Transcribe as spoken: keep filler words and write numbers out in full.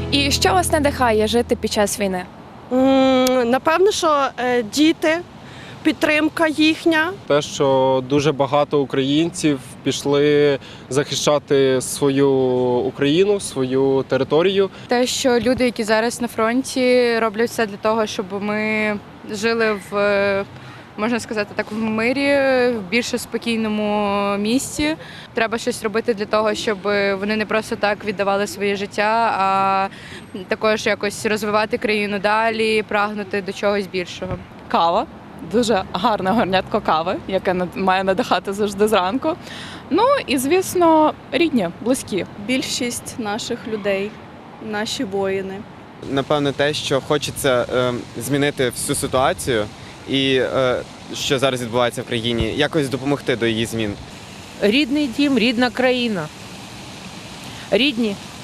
І що вас надихає жити під час війни? М, Напевно, що е, діти, підтримка їхня. Те, що дуже багато українців пішли захищати свою Україну, свою територію. Те, що люди, які зараз на фронті, роблять все для того, щоб ми жили в, можна сказати так, в мирі, в більш спокійному місці. Треба щось робити для того, щоб вони не просто так віддавали своє життя, а також якось розвивати країну далі, прагнути до чогось більшого. Кава. Дуже гарне горнятко кави, яке над- має надихати завжди зранку. Ну і, звісно, рідні, близькі. Більшість наших людей, наші воїни. Напевно, те, що хочеться е, змінити всю ситуацію і е, що зараз відбувається в країні, якось допомогти до її змін. Рідний дім, рідна країна. Рідні